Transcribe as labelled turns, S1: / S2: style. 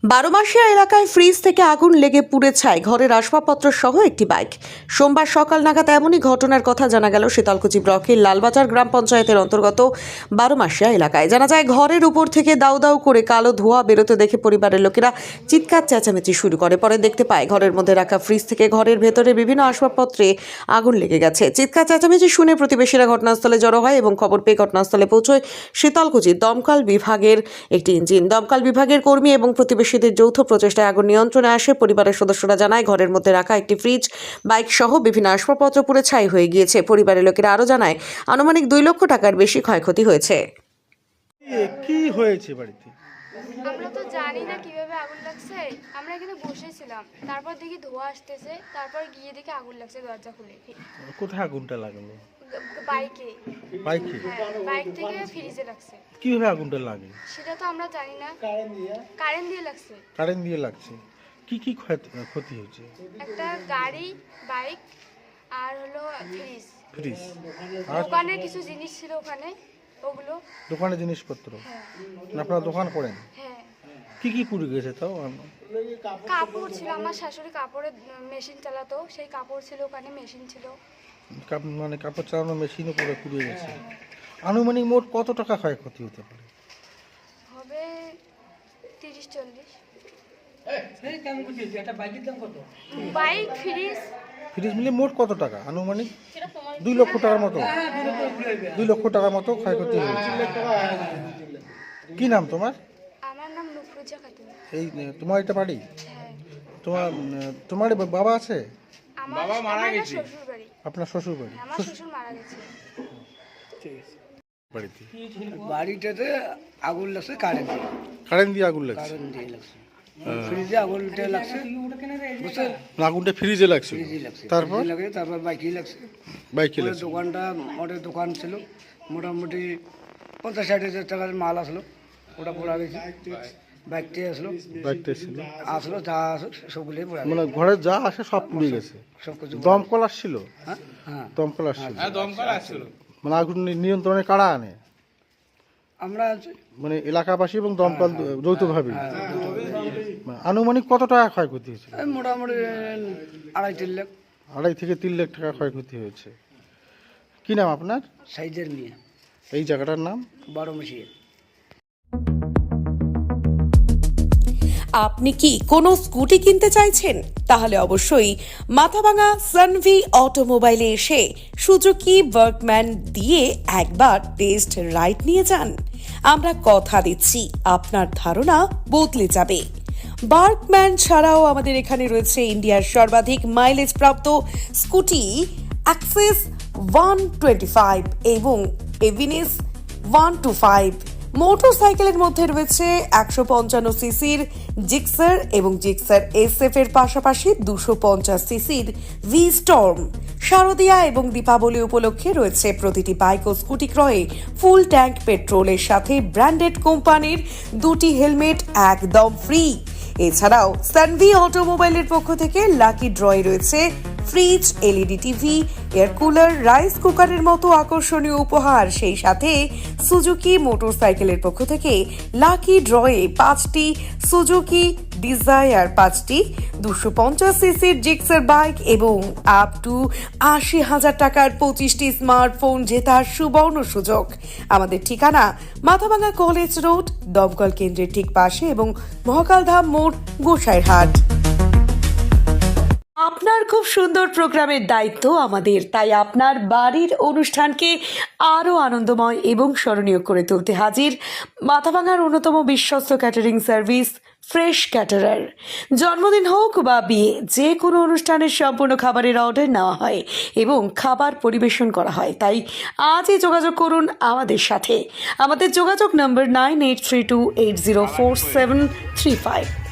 S1: বারোমাসিয়া এলাকায় ফ্রিজ থেকে আগুন লেগে পুড়ে ছাই ঘরের আসবাবপত্র সহ একটি বাইক। সোমবার সকাল নাগাদ এমনই ঘটনার কথা জানা গেল শীতলকুচি ব্লকের লালবাজার গ্রাম পঞ্চায়েতের অন্তর্গত বারোমাসিয়া এলাকায়। জানা যায়, ঘরের উপর থেকে দাউ দাউ করে কালো ধোঁয়া বেরোতে দেখে পরিবারের লোকেরা চিৎকার চেঁচামেচি শুরু করে। পরে দেখতে পায় ঘরের মধ্যে রাখা ফ্রিজ থেকে ঘরের ভেতরে বিভিন্ন আসবাবপত্রে আগুন লেগে গেছে। চিৎকার চেঁচামেচি শুনে প্রতিবেশীরা ঘটনাস্থলে জড়ো হয় এবং খবর পেয়ে ঘটনাস্থলে পৌঁছয় শীতলকুচি দমকল বিভাগের একটি ইঞ্জিন। দমকল বিভাগের কর্মী এবং প্রতিবেশীদের যৌথ প্রচেষ্টায় আগুন নিয়ন্ত্রণে আসে। পরিবারের সদস্যরা জানায়, ঘরের মধ্যে রাখা একটি ফ্রিজ, বাইক সহ বিভিন্ন আসবাবপত্র পুড়ে ছাই হয়ে গিয়েছে। পরিবারের লোকেরা আরও জানায়, আনুমানিক 2 লক্ষ টাকার বেশি ক্ষয়ক্ষতি হয়েছে।
S2: কি হয়েছে বাড়িতে?
S3: আমরা তো জানি না কিভাবে আগুন লাগছে। আমরা এখানে বসেছিলাম, তারপর দেখি ধোঁয়া আসতেছে, তারপর গিয়ে দেখি আগুন লাগছে দরজা খুলে।
S2: কোথায় আগুনটা লাগলো?
S3: বাইকে।
S2: বাইকে?
S3: হ্যাঁ, বাইক থেকে ফ্রিজে লাগছে।
S2: কিভাবে আগুনটা লাগে?
S3: সেটা তো আমরা জানি না। কারেন্ট দিয়ে লাগছে।
S2: কারেন্ট দিয়ে লাগছে। কি কি ক্ষতি হয়েছে?
S3: একটা গাড়ি, বাইক আর হলো ফ্রিজ।
S2: ফ্রিজ আর
S3: দোকানের কিছু জিনিস ছিল ওখানে, ওগুলো।
S2: দোকানের জিনিসপত্র?
S3: হ্যাঁ।
S2: আপনারা দোকান করেন?
S3: হ্যাঁ।
S2: কি কি পুড়ে গেছে তাও?
S3: কাপড় ছিল, আমার শাশুড়ি কাপড়ের মেশিন চালাতো, সেই কাপড় ছিল ওখানে, মেশিন ছিল।
S2: মানে কাপড় চালানোর মেশিনও পুড়ে গেছে। আনুমানিক মোট কত টাকা ক্ষয়ক্ষতি হতে পারে?
S3: হবে 30-40। Bike, fridge.
S2: ফ্রিজ মিলে মোট কত টাকা আনুমানিক? 2 লক্ষ টাকার মতো। 2 লক্ষ টাকার মতো ক্ষয়ক্ষতি হয়েছে। কি নাম তোমার?
S3: আমার নাম নুফরুজা খাতুন।
S2: এই তোমার এটা বাড়ি?
S3: হ্যাঁ।
S2: তোমার বাবা আছে?
S3: আমার বাবা মারা গেছে। শ্বশুর বাড়ি।
S2: আপনার শ্বশুর বাড়ি?
S3: আমার শ্বশুর মারা গেছে।
S2: বাড়িতে
S4: বাড়িটাতে আগুন লাগছে
S2: কারেন্ট দিয়ে আগুন লাগছে?
S4: কারেন্ট দিয়ে লাগছে। ফ্রিজে আগুনটা লাগছে, বুঝছেন?
S2: আগুনটা ফ্রিজে লাগছে?
S4: ফ্রিজে লাগছে।
S2: তারপর
S4: তারপর বাইকে লাগছে।
S2: বাইকে
S4: ওই
S2: লাগছে?
S4: দোকানটা মোটে দোকান ছিল, মোটামুটি 50-60 হাজার টাকার মাল আসলো, ওটা পোড়া গেছে। বাইকটা
S2: বাইকটা ছিল?
S4: আসলো যা আসলো সবগুলোই পোড়া
S2: মানে
S4: গেছে।
S2: ঘরে যা আসে সব পুড়ে গেছে?
S4: সব কিছু
S2: দমকল আসছিল?
S4: হ্যাঁ হ্যাঁ
S2: দমকল আসছিল? মানে আগুন নিয়ন্ত্রণে কারা আনে?
S4: আমরা আছি।
S2: মানে এলাকাবাসী এবং দমকল যৌথভাবে? মানে আনুমানিক কত টাকা ক্ষয়ক্ষতি হয়েছে?
S4: এই মোটামুটি 2.5-3 লাখ।
S2: 2.5 থেকে 3 লাখ টাকা ক্ষয়ক্ষতি হয়েছে। কি নাম আপনার?
S4: সাইজের নিয়ে
S2: এই জায়গাটার নাম?
S4: বারোমাসিয়া।
S1: আপনি কি কোনো স্কুটি কিনতে চাইছেন? তাহলে অবশ্যই মাথাভাঙা সানভি অটোমোবাইলে এসে সুজুকি ওয়ার্কম্যান দিয়ে একবার টেস্ট রাইড নিয়ে যান। আমরা কথা দিচ্ছি, আপনার ধারণা বদলে যাবে। ওয়ার্কম্যান ছাড়াও আমাদের এখানে রয়েছে ইন্ডিয়ার সর্বাধিক মাইলেজ প্রাপ্ত স্কুটি অ্যাক্সেস 125 এবং এভিনিস 125। মোটরসাইকেলের মধ্যে রয়েছে 155 সিসির জিক্সার এবং জিক্সার SF এর পাশাপাশি 250 সিসির ভি স্টর্ম। শারদিয়া এবং দীপাবলি উপলক্ষে রয়েছে প্রতিটি বাইক ও স্কুটি ক্রয়ে ফুল ট্যাঙ্ক পেট্রোলের সাথে ব্র্যান্ডেড কোম্পানির 2টি হেলমেট একদম ফ্রি। এছাড়াও সানভি অটোমোবাইলের পক্ষ থেকে লাকি ড্রয়ে রয়েছে fridge, LED TV, air cooler, rice কুকারের মতো আকর্ষণীয় উপহার। সেই সাথে সুজুকি মোটরসাইকেলের পক্ষ থেকে লাকি ড্রয়ে 5টি সুজুকি ডিজায়ার, 5টি 250 সিসির জিক্সার বাইক এবং আপ টু 80,000 টাকার 25টি স্মার্টফোন জেতার সুবর্ণ সুযোগ। আমাদের ঠিকানা মাথাভাঙা কলেজ রোড, দমকল কেন্দ্রের ঠিক পাশে এবং মহাকালধাম মোড়, গোসাইরহাট। আপনার খুব সুন্দর প্রোগ্রামের দায়িত্ব আমাদের, তাই আপনার বাড়ির অনুষ্ঠানকে আরও আনন্দময় এবং স্মরণীয় করে তুলতে হাজির মাথাভাঙার অন্যতম বিশ্বস্ত ক্যাটারিং সার্ভিস ফ্রেশ ক্যাটারার। জন্মদিন হোক বা বিয়ে, যে কোনো অনুষ্ঠানের সম্পূর্ণ খাবারের অর্ডার নেওয়া হয় এবং খাবার পরিবেশন করা হয়। তাই আজই যোগাযোগ করুন আমাদের সাথে। আমাদের যোগাযোগ নম্বর 9832804735।